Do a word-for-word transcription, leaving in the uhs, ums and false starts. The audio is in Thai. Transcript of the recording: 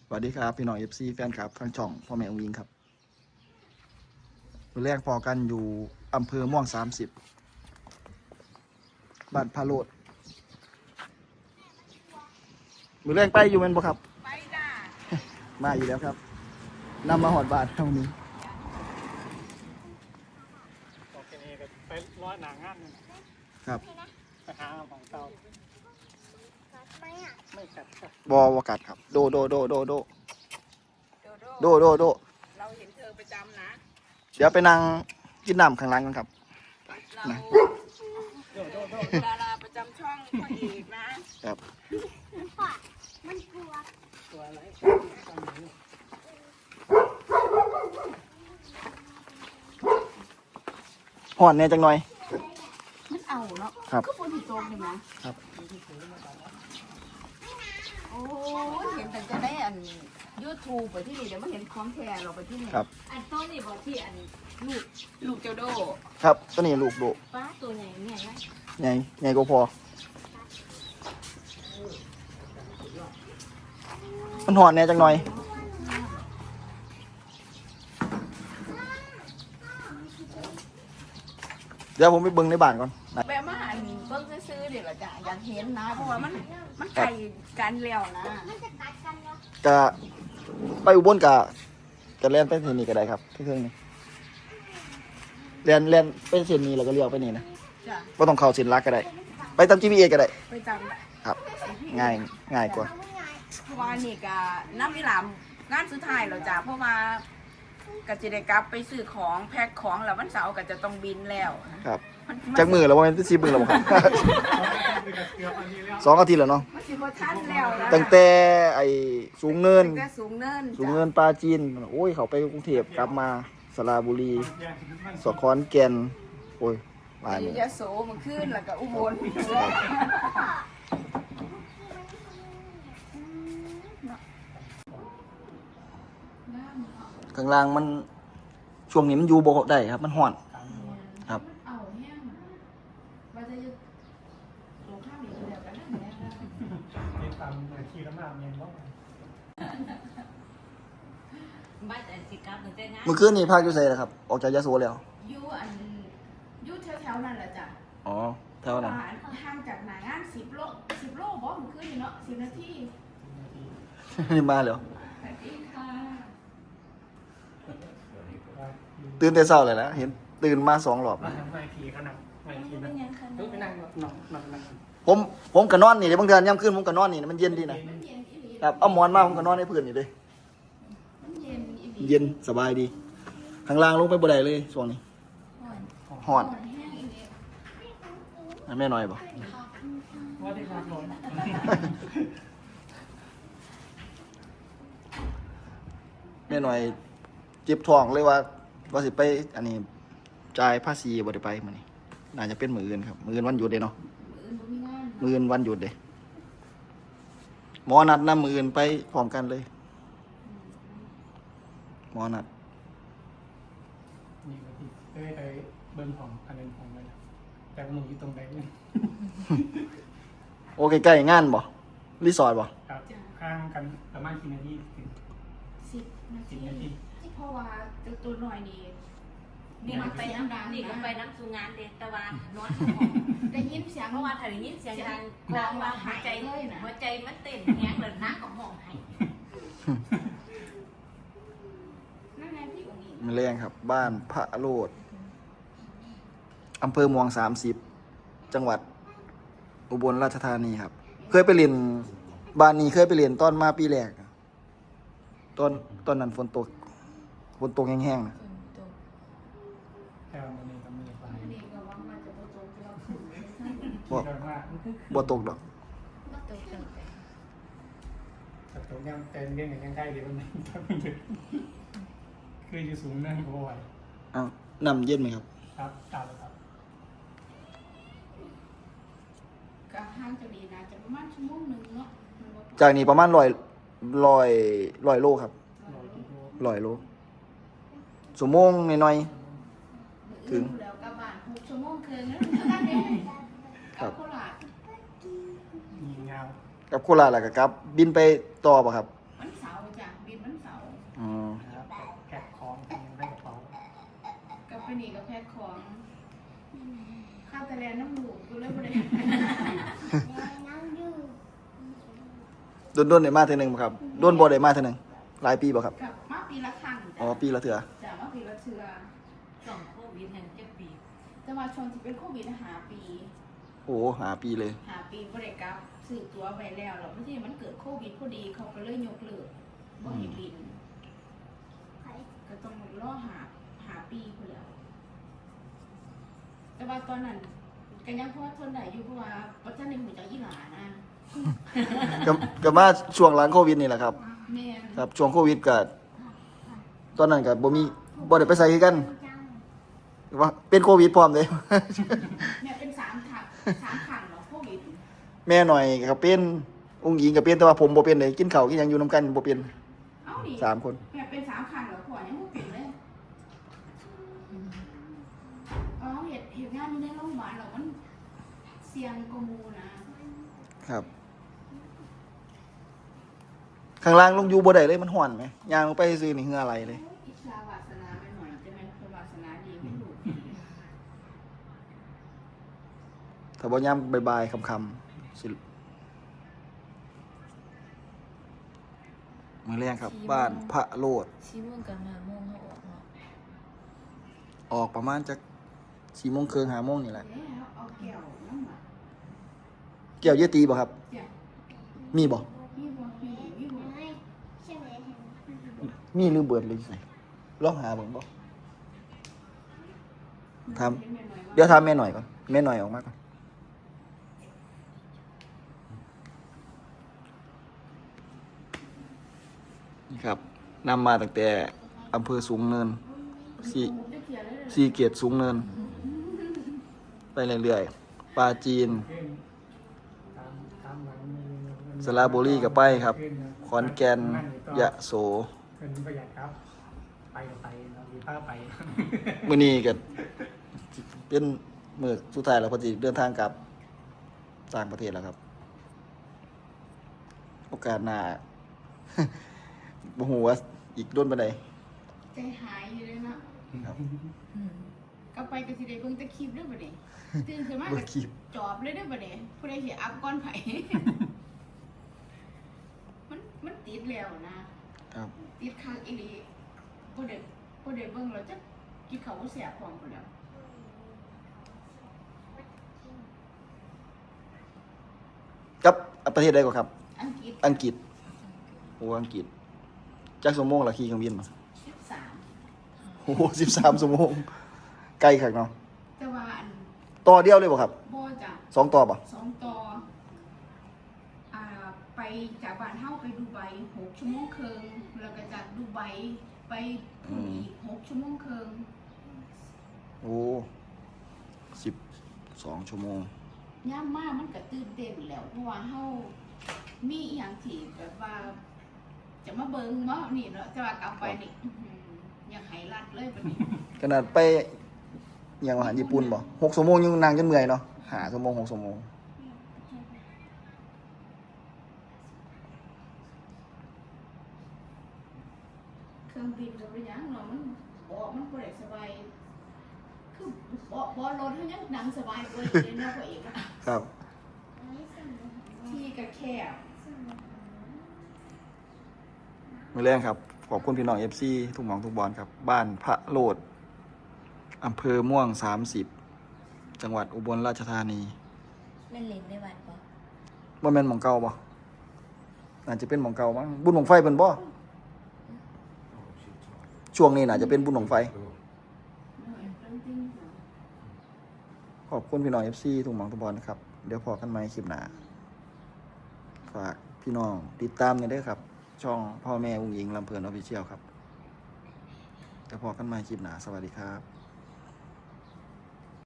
สวัสดีครับพี่น้องเอฟซีแฟนคลับทางช่องพ่อแม่องค์ยิงครับมือแรกพอกันอยู่อำเภอม่วงสามสิบบ้านพาโรดมือแรกไปอยู่แมันบ่ครับไปจ้า มาอยู่แล้วครับนำมาหอดบ้านเท่านี้โอเคก็ไปร้อยหนางานครับไปหาของเตาไม่กัดครับบอวกัดครับโดโดโดโดโดโดโดโดเราเห็นเธอประจำนะเดี๋ยวไปนั่งกินน้ำข้างหล่างกันครับเราดาราประจำช่องพ่อเอกนะครับมันกลัวตัวอะไรหอนแน่จังหน่อยมันเอาเนาะครับก็ฝนตกเลยนะครับโอ้เห็นแต่จะได้อันยูทูบไปที่นี่เดี๋ยวไม่เห็นของแท้เราไปที่นี่ครับอันต้นนี่บอกที่อันลูกลูกเจ้าโดครับตัวนี้ลูกโดป้าตัวใหญ่ใหญ่ไหมใหญ่ใหญ่ก็พอมันหอนแน่จังหน่อยเดี๋ยวผมไปเบิ้งในบ้านก่อนแบบมาอันเบิ้งซื้อเดี๋ยวเราจะอยากเห็นนะเพราะว่ามันมันไก่กันแล้วนะมันจะกัดกันเนาะจะไปอุบลกะจะเล่นไปเส้นนี้ก็ได้ครับที่เครื่องนี้เรียนเรียนไปเส้นนี้แล้วก็เลี้ยวไปนี่นะก็ต้องเข้าเส้นลักก็ได้ไปตาม จี พี เอส ก็ได้ไปจำครับง่ายง่ายกว่าเพราะว่านี่ก็น้ำมิลามงานสุดท้ายเราจ้ะเพราะว่าก็จะได้กลับไปซื้อของแพ็คของแล้ววันเสาร์ก็จะต้องบินแล้วครับจากมือแล้วว่าเป็นซีมือแล้วครับสองอาทิตย์แล้วเนาะมันสิบ่ทันแล้วนะตั้งแต่ไอ้สูงเนินตั้งแต่สูงเนินสูงเนินปลาจีนโอ้ยเขาไปกรุงเทพกลับมาสระบุรีสขอนแก่นโอ้ยหลายอยู่ยะโสมันขึ้นแล้วก็อุบลข้างล่างมันช่วงนี้มันอยู่บ่ได้ครับมันห่อนครับเมื่อคืนนี้ภาคยูเซ่นะครับออกจากยะโสแล้วอยู่อันอยู่แถวๆนั่นแหละจ้ะอ๋อแถวนั้นห่างจากหน้างานสิบโลสิบโลบ่เมื่อคืนนี่เนาะสิบนาทีนี่มาเหรอสวัสดีค่ะตื่นแต่เช้าเลยนะเห็นตื่นมาสองรอบไม่ผีขนาดไม่ผีนะเฮ้ยไปนั่งนอนนอนนั่งผมผมก็นอนนี่เดี๋ยวบางเดือนย่ำขึ้นผมก็นอนนี่มันเย็นดีนะครับเอาหมอนมาผมก็นอนในพื้นนี่เลยเย็นสบายดีข้างล่างลงไปบ่ได้เลยช่วงนี้ห่อนแม่น้อยบ่ว่าได้ครับร้อนแม่น้อยเจ็บท้องเลยว่าว่าสิไปอันนี้จ่ายภาษีบ่ได้ไปมื้อนี้น่าจะเป็นมื้ออื่นครับมื้ออื่นวันหยุดเด้เนาะมื้ออื่นวันหยุดเด้หมอนัดนำมื้ออื่นไปพร้อมกันเลยหมอนัดนี่ก็ที่ได้ไปเบิ้งของอันนึงของมันแต่มึงอยู่ตรงไหนเนี่ยโอเคใกล้งานบ่รีสอร์ทบ่ครับข้างกันประมาณกี่นาทีสิบนาทีเพราะว่าตัวหน่อยนี่นี่มันไปน้ำดังนี่ก็ไปน้ำสูงานเด็ดตะวันนอนได้ยินเสียงเพราะว่าถ้าได้ยินเสียงดังดังว่าหัวใจหัวใจมันเต้นแห้งเลยน้ำก็มองให้นั่นไงพี่องค์อิงมันแรงครับบ้านพระโรดอำเภอม่วงสามสิบจังหวัดอุบลราชธานีครับเคยไปเรียนบ้านนี้เคยไปเรียนตอนมาปีแรกตอนตอนนั้นฝนตกฝนตกแห้งๆนะแต่วันนี้ก็มีไฟบ่บ่ตกดอกแต่ตรงยังเต็มเรื่องยังใกล้เดี๋ยวมันคืออยู่สูงนั่นก็ไหวอ้าวน้ำเย็นไหมครับครับตามเลยครับก็ห่างจากนี้นะจะประมาณชั่วโมงหนึ่งเนาะจากนี้ประมาณร้อยร้อยร้อยโลครับร้อยโลชั่วโมงหน่อยๆถึงแล้วกับบ้านหกชั่วโมงคืนนั้นครับโคราชมีเงากับโคราชแล้วก็ครับบินไปต่อป่ะครับวันเสาร์จ้ะไปนี่กับแพ็คของข้าวตะแลนน้ำหมูกูเลยบ่ได้น้ำดื่มโดนโดนได้มาเท่อหนึงบ่ครับโดนบ่ได้มาเท่อหนึงหลายปีบ่ครับกับมาปีละครั้งอ๋อปีละเทื่อจ้ะมาปีละเทื่อสองโควิดแห่งเจ็ดปีจะมาชวนที่เป็นโควิดหาปีโอ้หาปีเลยหาปีบ่ได้กลับซื้อตั๋วไว้แล้วแล้วพอดีมันเกิดโควิดพอดีเขาก็เลยยกเลิกบ่ให้บินไข่ก็ต้องรอหาหาปีพุ่นแล้วแต่ว่าตอนนั้นก็ยังพอทนได้อยู่เพราะว่าบ่ทันได้หูจักอีหลานะก็ก็มาช่วงหลังโควิดนี่แหละครับแม่นครับช่วงโควิดก็ตอนนั้นก็บ่มีบ่ได้ไปใส่คือกันจังว่าเป็นโควิดพร้อมเลยแม่เป็นสามถังสามขังเหรอโควิดแม่หน่อยก็เป็นองค์หญิงก็เป็นแต่ว่าผมบ่เป็นเลยกินข้าวกินหยังอยู่นํกันบ่เป็นเอ้าดิสามคนแม่เป็นสามขังเหรอพ่อยังบ่เป็นเลยอ๋อเฮ็ดเฮ็ดงานอยู่ในโรงพยาบาลแล้วมันเสี่ยงกว่าหมู่นะครับข้างล่างลงอยู่บ่ได้เลยมันร้อนไหมย่างลงไปซื้อนี่เหงื่อไหลเลยอิสลาวาสนาไปหน่อยจะแม่นคือวาสนาดีไม่รู้ถ้าบ่ยามบ่ายๆค่ำๆสิมื้อแรงครับ บ้านพระโลดชี้ม่วงกับมาม่วงเขาออกเนาะออกประมาณจักสี่โมงครึ่งห้าโมงนี่แหละเอ๊ะเอาแก้วน้ำหมักแก้วเยตีบ่ครับจ้ะมีบ่มีบ่มีมีบ่ไม่ใช่ไหมเห็นมีหรือเบิดเลยสิลองหาเบิ่งบ่ถามเป็นแม่น้อยว่าเดี๋ยวถามแม่หน่อยก่อนแม่หน่อยออกมาก่อนนี่ครับนำมาตั้งแต่อำเภอสูงเนินสี่จะเขียนเลยสี่เกียรติสูงเนิน ไปเรื่อยๆปลาจีนขึ้นตามตามหลังมือสระบุรีก็ไปครับ ขอนแก่นยะโสเป็นประหยัดครับ ไปก็ไปเรามีผ้าไปมื้อนี้ก็เป็นมื้อสุดท้ายแล้วพอดีเดินทางกลับต่างประเทศแล้วครับ โอกาสหน้า บ่ฮู้ว่าอีกโดนปานใดใจหายอยู่เลยเนาะครับอืมก็ไปก็สิได้เบิ่งแตะคลิปเด้อบัดนี้ตื่นขึ้นมาเบิ่ก็งคลิปจอบเลยเด้อบัดนี้ผู้ใดสิอัพก่อนไผ มันมันติดแล้วนะครับ ติดคักอีหลีบ่ได้บ่ได้เบิ่งแล้วจักกินข้าวบ่แซ่บพร้อมพุ่นแล้วกับประเทศใดก็ครับอังกฤษอังกฤษโอ้อังกฤษจักชั่วโมงละขี่เครื่องบินมาสิบสามโอ้โหสิบสามชั่วโมงไกลคักเนาะแต่ว่าอันต่อเดียวเลยบ่ครับบ่จ้ะสองต่อบ่สองต่ออ่าไปจากบ้านเฮาไปดูไบหกชั่วโมงครึ่งแล้วก็จากดูไบไปพุ่นอีกหกชั่วโมงครึ่งโอ้สิบสองชั่วโมงย่ามมามันก็ตื่นเต้นแหล้วเพราะว่าเฮามีอหย่างที่แบบว่า จะมาเบิ่งว่านี่เนาะจะว่ากลับไปนี่อื้อหืออยากให้รัดเลยบัดนี้ขนาดไปอหย่างว่าญี่ปุ่นบ่หกชั่วโมงยังนั่งจนเมื่อยเนาะหาชั่วโมงหกชั่วโมงเครื่องบินก็บ่ยังเนาะมันบ่มันบ่ได้สบายคือบ่บ่รถเฮายังนั่งสบายกว่าอีกเลยเนาะพ่อเอกอะครับไม่ใช่ไหมที่ก็แคบมื้อแรงครับ ขอบคุณพี่น้อง เอฟ ซี ทุกหม่องทุกบอลครับ บ้านพระโลดอำเภอม่วงสามสิบจังหวัดอุบลราชธานีเล่นเล่นได้วัดปะบ่แม่นหม่องเก่าบ่น่าจะเป็นหม่องเก่ามั้งบุญหม่องไฟเพิ่นบ่ช่วงนี้น่าจะเป็นบุญหม่องไฟ ขอบคุณพี่น้อง เอฟ ซี ทุกหม่องทุกบอลนะครับ เดี๋ยวพอกันใหม่คลิปหน้าฝากพี่น้องติดตามกันด้วยครับ ช่องพ่อแม่อุ้งอิงลำเพลินออฟฟิเชียลครับเดี๋ยวพอกันใหม่คลิปหน้าสวัสดีครับ